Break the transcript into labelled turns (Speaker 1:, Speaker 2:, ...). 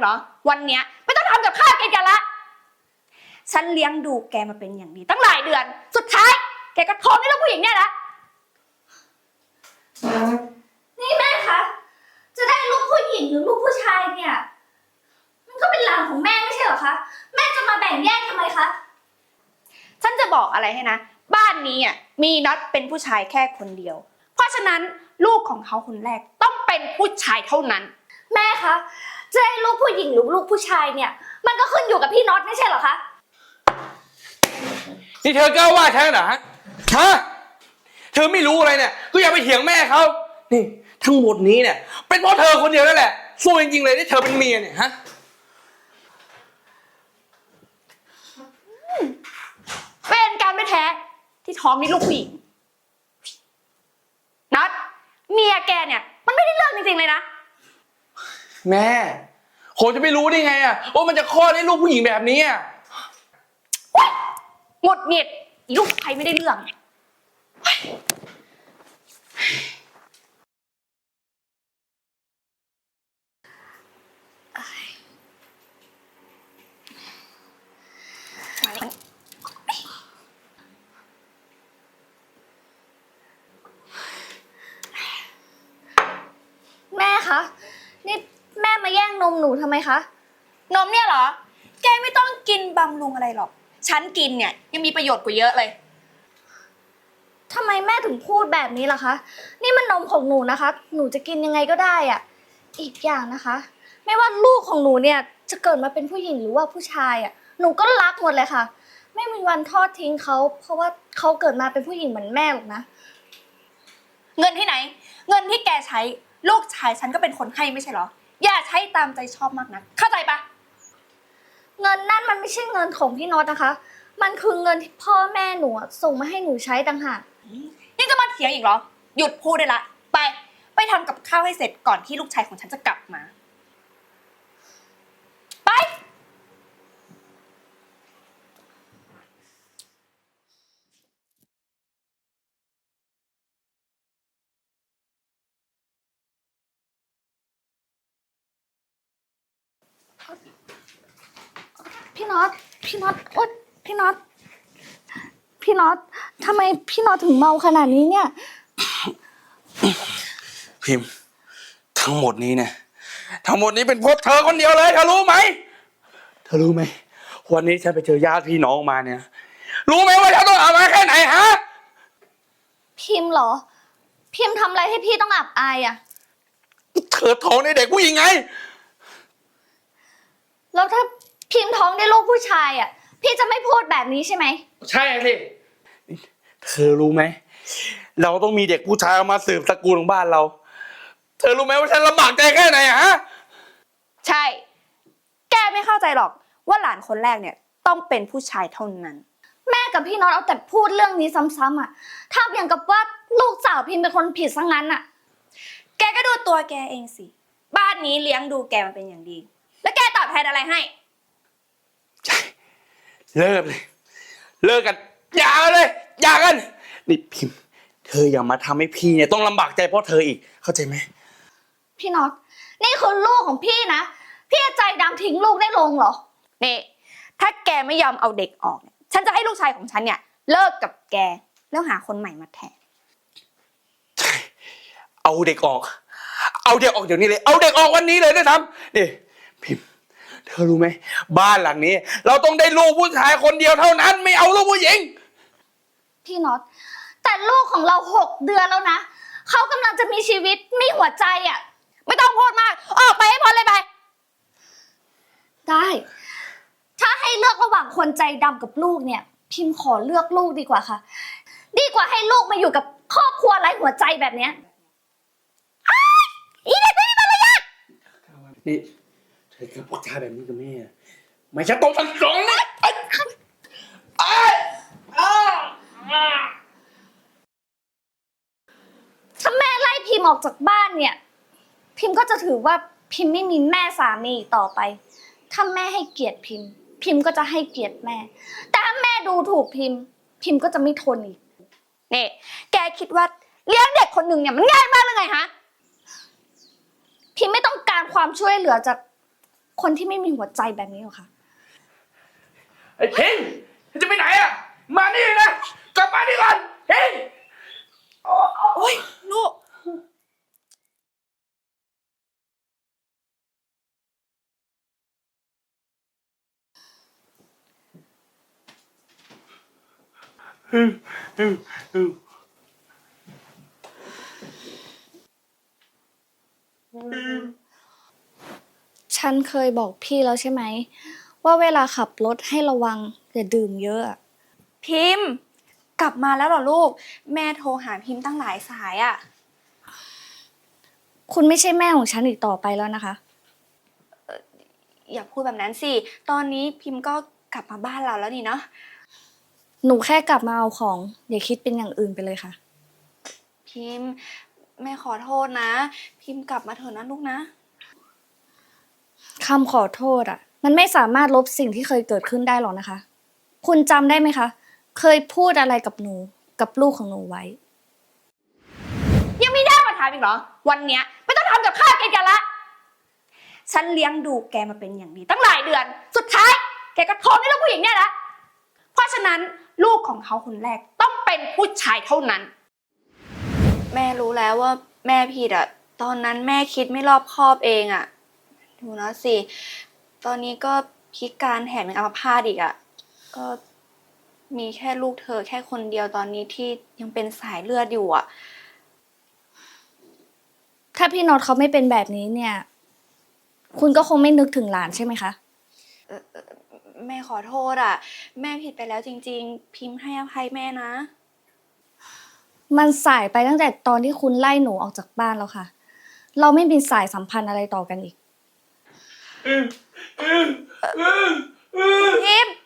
Speaker 1: เหรอวันเนี้ยไม่ต้องทำกับข้าวกินกันละฉันเลี้ยงดูแกมาเป็นอย่างดีตั้งหลายเดือนสุดท้ายแกก็ท้องให้ลูกผู้หญิงเนี่ยนะ
Speaker 2: นี่แม่คะจะได้ลูกผู้หญิงหรือลูกผู้ชายเนี่ยมันก็เป็นหลานของแม่ไม่ใช่เหรอคะแม่จะมาแบ่งแยกทำไมคะ
Speaker 1: ฉันจะบอกอะไรให้นะบ้านนี้อ่ะมีน็อตเป็นผู้ชายแค่คนเดียวเพราะฉะนั้นลูกของเขาคนแรกต้องเป็นผู้ชายเท่านั้น
Speaker 2: แม่คะจะได้ลูกผู้หญิงหรือลูกผู้ชายเนี่ยมันก็ขึ้นอยู่กับพี่น็อตไม่ใช่เหรอคะ
Speaker 3: นี่เธอกล้าว่าฉันเหรอฮะเธอไม่รู้อะไรเนี่ยก็อย่าไปเถียงแม่เขานี่ทั้งหมดนี้เนี่ยเป็นเพราะเธอคนเดียวนั่นแหละสู้จริงๆเลยที่เธอเป็นเมียเนี่ยฮะ
Speaker 1: เป็นการไม่แท้ที่ท้องนี่ลูกผู้หญิงน็อตเมียแกเนี่ยมันไม่ได้เรื่องจริงๆเลยนะ
Speaker 3: แม่ผมจะไม่รู้ได้ไงอ่ะว่ามันจะคลอดให้ลูกผู้หญิงแบบนี้อ่ะ
Speaker 1: หงุดหงิดลูกใครไม่ได้เรื่อง
Speaker 2: แม่คะนี่แม่มาแย่งนมหนูทำไมคะ
Speaker 1: นมเนี่ยเหรอแกไม่ต้องกินบำรุงอะไรหรอกฉันกินเนี่ยยังมีประโยชน์กว่าเยอะเลย
Speaker 2: ทำไมแม่ถึงพูดแบบนี้ล่ะคะนี่มันนมของหนูนะคะหนูจะกินยังไงก็ได้อ่ะอีกอย่างนะคะไม่ว่าลูกของหนูเนี่ยจะเกิดมาเป็นผู้หญิงหรือว่าผู้ชายอ่ะหนูก็รักหมดเลยค่ะไม่มีวันทอดทิ้งเขาเพราะว่าเขาเกิดมาเป็นผู้หญิงเหมือนแม่หรอกนะ
Speaker 1: เงินที่ไหนเงินที่แกใช้ลูกชายฉันก็เป็นคนให้ไม่ใช่เหรออย่าใช้ตามใจชอบมากนะเข้าใจปะ
Speaker 2: เงินนั่นมันไม่ใช่เงินของพี่น็อตนะคะมันคือเงินที่พ่อแม่หนูส่งมาให้หนูใช้ต่างหาก
Speaker 1: ยังจะมาเถียงอีกเหรอหยุดพูดได้ละไปทำกับข้าวให้เสร็จก่อนที่ลูกชายของฉันจะกลับมาไป
Speaker 2: พี่น็อตโอ๊ยพี่น็อตทำไมพี่น็อตถึงเมาขนาดนี้เนี่ย
Speaker 3: พิมพ์ทั้งหมดนี้เนี่ยทั้งหมดนี้เป็นเพราะเธอคนเดียวเลยเธอรู้ไหมวันนี้ฉันไปเจอญาติพี่น้องมาเนี่ยรู้ไหมว่าฉันต้องเอามาแค่ไหนฮะ
Speaker 2: พิมพ์เหรอพิมพ์ทำอะไรให้พี่ต้องอับอายอ่ะ
Speaker 3: เธอท้องในเด็กผู้หญิงไง
Speaker 2: แล้วถ้าพิมพ์ท้องได้ลูกผู้ชายอ่ะพี่จะไม่พูดแบบนี้ใช่ไหม
Speaker 3: ใช่สิเธอรู้ไหมเราต้องมีเด็กผู้ชายมาสืบตระกูลของบ้านเราเธอรู้ไหมว่าฉันลำบากใจแค่ไหนฮะ
Speaker 1: ใช่แกไม่เข้าใจหรอกว่าหลานคนแรกเนี่ยต้องเป็นผู้ชายเท่านั้น
Speaker 2: แม่กับพี่น็อตเอาแต่พูดเรื่องนี้ซ้ำๆอ่ะทำอย่างกับว่าลูกสาวพิมพ์เป็นคนผิดซะงั้นอ่ะ
Speaker 1: แกก็ดูตัวแกเองสิบ้านนี้เลี้ยงดูแกมาเป็นอย่างดีแล้วแกตอบแทนอะไรให้
Speaker 3: ใช่เลิกกันอย่ากันนี่พิมพ์เธออย่ามาทำให้พี่เนี่ยต้องลำบากใจเพราะเธออีกเข้าใจไหม
Speaker 2: พี่น็อตนี่คือลูกของพี่นะพี่ใจดำทิ้งลูกได้ลงเหรอ
Speaker 1: นี่ถ้าแกไม่ยอมเอาเด็กออกเนี่ยฉันจะให้ลูกชายของฉันเนี่ยเลิกกับแกแล้วหาคนใหม่มาแทน
Speaker 3: ใช่เอาเด็กออกเดี๋ยวนี้เลยเอาเด็กออกวันนี้เลยด้วยซ้ำนี่พิมพ์เธอรู้ไหมบ้านหลังนี้เราต้องได้ลูกผู้ชายคนเดียวเท่านั้นไม่เอาลูกผู้หญิง
Speaker 2: พี่น็อตแต่ลูกของเรา6 เดือนแล้วนะเขากำลังจะมีชีวิตมีหัวใจอ่ะ
Speaker 1: ไม่ต้องพูดมากออกไปให้พ้นเลยไป
Speaker 2: ได้ถ้าให้เลือกระหว่างคนใจดำกับลูกเนี่ยพิมพ์ขอเลือกลูกดีกว่าค่ะดีกว่าให้ลูกมาอยู่กับครอบครัวไร้หัวใจแบบเนี้ย
Speaker 1: อีเด็กไม่มีมารยาท
Speaker 3: นี่เธอกับพูดจาแบบนี้กับแม่ไม่ใช่ต้องสั่งสอนนะ
Speaker 2: ถ้าแม่ไล่พิมพ์ออกจากบ้านเนี่ยพิมพ์ก็จะถือว่าพิมพ์ไม่มีแม่สามีอีกต่อไปถ้าแม่ให้เกียรติพิมพ์ก็จะให้เกียรติแม่แต่ถ้าแม่ดูถูกพิมพ์ก็จะไม่ทนอีก
Speaker 1: นี่แกคิดว่าเลี้ยงเด็กคนหนึ่งเนี่ยมันง่ายมากหรือไงฮะ
Speaker 2: พิมพ์ไม่ต้องการความช่วยเหลือจากคนที่ไม่มีหัวใจแบบนี้หรอกค่ะ
Speaker 3: ไอ้พิมจะไปไหนอะมานี่นะกลับมานี่ก่อนพิม
Speaker 1: โอ้ยลูก
Speaker 2: ฉันเคยบอกพี่แล้วใช่ไหมว่าเวลาขับรถให้ระวังอย่าดื่มเยอะอะ
Speaker 1: พิมพ์กลับมาแล้วเหรอลูก แม่โทรหาพิมพ์ตั้งหลายสายอะ
Speaker 2: คุณไม่ใช่แม่ของฉันอีกต่อไปแล้วนะคะ
Speaker 1: อย่าพูดแบบนั้นสิ ตอนนี้พิมพ์ก็กลับมาบ้านเราแล้วนี่เนาะ
Speaker 2: หนูแค่กลับมาเอาของอย่าคิดเป็นอย่างอื่นไปเลยค่ะ
Speaker 1: พิมพ์แม่ขอโทษนะ พิมพ์กลับมาเถอะนะลูกนะ
Speaker 2: คำขอโทษอ่ะ มันไม่สามารถลบสิ่งที่เคยเกิดขึ้นได้หรอกนะคะ คุณจำได้ไหมคะ เคยพูดอะไรกับหนูกับลูกของหนูไว้
Speaker 1: ยังไม่ได้มาถามอีกเหรอ วันเนี้ยไม่ต้องทำกับข้าวกินกันละ ฉันเลี้ยงดูแกมาเป็นอย่างดีตั้งหลายเดือน สุดท้าย แกก็ท้องให้ลูกผู้หญิงเนี่ยละ เพราะฉะนั้นลูกของเขาคนแรกต้องเป็นผู้ชายเท่านั้น แม่รู้แล้วว่าแม่ผิดอะตอนนั้นแม่คิดไม่รอบคอบเองอะดูนะสิ ตอนนี้ก็พิการแถมยังอัมพาตอีกอะก็มีแค่ลูกเธอแค่คนเดียวตอนนี้ที่ยังเป็นสายเลือดอยู่อะ
Speaker 2: ถ้าพี่น็อตเขาไม่เป็นแบบนี้เนี่ย คุณก็คงไม่นึกถึงหลานใช่ไหมคะ
Speaker 1: แม่ขอโทษอะแม่ผิดไปแล้วจริงๆ พิมพ์ให้อภัยแม่นะ
Speaker 2: มันสายไปตั้งแต่ตอนที่คุณไล่หนูออกจากบ้านแล้วค่ะ เราไม่มีสายสัมพันธ์อะไรต่อกันอีก
Speaker 1: พิมพ์